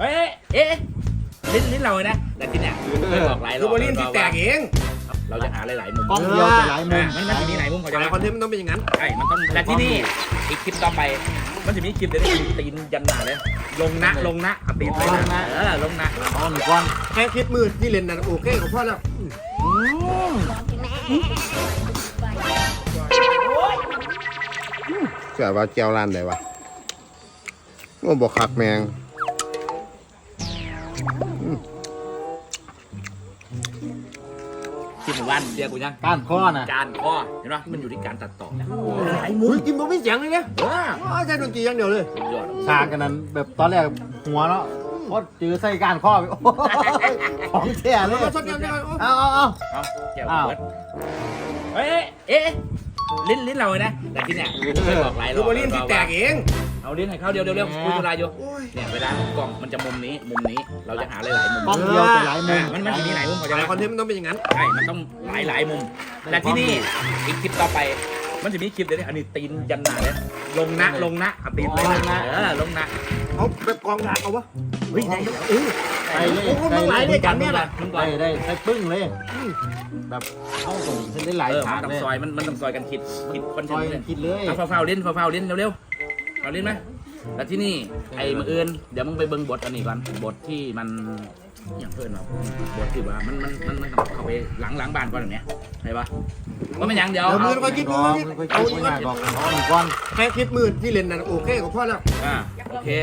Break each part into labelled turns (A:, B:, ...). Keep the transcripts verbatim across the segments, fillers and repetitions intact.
A: เฮ้ยเอ๊ะลิ้นลิ้นเราเลยนะแต่ที่เนี่ยเคยบอกหลายร
B: คือ
A: อบบ
B: ริ้นที่แตกเอง
A: เราจะหาหลายๆมุม
C: กล้องเดียวแต่หลายมุม
A: มันมันจะมีหลายมุมเขาจะ
B: แต่คอนเทนต์มันต้องเป็นอย่างนั้น
A: ใช่มันต้องและที่นี่อีกคลิปต่อไปมันจะมีคลิปเดี๋ยวนี้ตีนยันหนาเลยลงนะลงนะเอาตีนไปนะเออลงนะ
C: เอาหนึ่งก้อน
B: แค่คลิปมือที่เล่นนั่นโอเคของพ่อแล้วเสียว่าแก้วร้านไหนวะโอ้บอกคักแมง
A: คลิปหมู่บ้านเดียวกูยัง
C: ก้านข้อน่ะ
A: การข้อเห็นไหมมันอยู่ที่การตัดต่อนะ
B: ไอ้หมูกินบ่ไม่เสียงเลยเนี่ย
A: เออ
B: ใช่ดนตรีอย่างเดียวเลย
A: สุดยอด
C: ฉากกันนั้นแบบตอนแรกหัวเนาะพอเจอใส่ก้านข้อไปโอ้ยของแท้เลย
B: มาชดกันกัน
C: เอาเอาเอา
A: เอาแก้วเบิร์ดเฮ้ยเอ๊ะลิ้นลิ้นเราเลยนะแต่ที่เนี่ยเคยบอกหลายร
B: คือ อ
A: บบ
B: ริ้นที่แตกเอง
A: เอาลิ้นให้เข้าเดียวเร็วๆคุยเวลาอยู่
B: โอ้ย
A: เนี่ยเวลากล่องมันจะมุมนี้มุมนี้เราจะหาหลายๆมุม
C: กล้องเดียวแต่หลายมุ
A: อ่าม มันมันจะมีหลายมุมเขาจะ
B: แต่คอนเทนต์มันต้องเป็นอย่างนั้น
A: ใช่มันต้องหลายหลายมุมและที่นี่อีกคลิปต่อไป มันจะมีคลิปเดี๋ยวนี้อันนี้ตีนยันหนาเลยลงนะลงนะเอาตีนไปนะเออลงนะ
B: เอาแบบกองหลักเอาวะ
A: เฮ้ยได้
B: เออ
C: ไปเลย
B: โอ้โหมันหลายเลยกันเนี่ย
A: มึงก่อ
C: ได้
A: น
C: ได้ได้ปึ้งเลยแบบเข้าส่งเส้นได้หลาย
A: เออ
C: ฉา
A: มั
C: ก
A: นต้อง
C: เลย
A: ซอยมันมันต้องซอยกันคิดคิดคอนเท
C: ซ
A: น
C: อย
A: ต์เลย
C: คิดเลย
A: เอาเฝ้าๆเล่นเฝ้าๆเล่นเร็วๆเอาเล่นไหมแล้วที่นี่ไอ้มืออื่นเดี๋ยวมึงไปเบิ่งบทอันนี้ก่อนบทที่มันอย่างเพื่อนเราบทที่ว่ามันมันมันมันเข้าไปหลังหลังบ้านก่อนอย่างเนี้ยใช่ปะว่ามันยังเดี๋ยว
B: เดี๋ยวมื
A: เอา
B: อค่อยคิดมื
C: ก้
B: อ
C: อน
B: คิด
C: ค่อย
B: เอา
C: คิ
B: อี
C: ด
B: ก
C: ง่ายบอกเอาหนึ่งก้อน
B: แค่คลิปมือที่เล่นนั่นโอเคของพ่อแล้ว
A: อ่าโอเค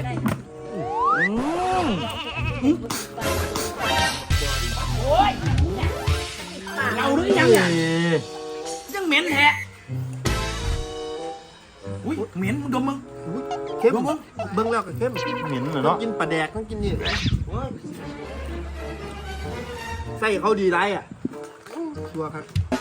A: เราหรือยังอ่ะยังเหม็นแฮะอุ้ยเหม็นมึงดมมึง
B: เข้มเบิ้งแล้วก็เข้ม
C: เหม็นเหรอ
B: ต้อ
C: เนาะ
B: งกินปลาแดกต้องกินนี่ไส้เขาดีไรอ่ะชัวร์ครับ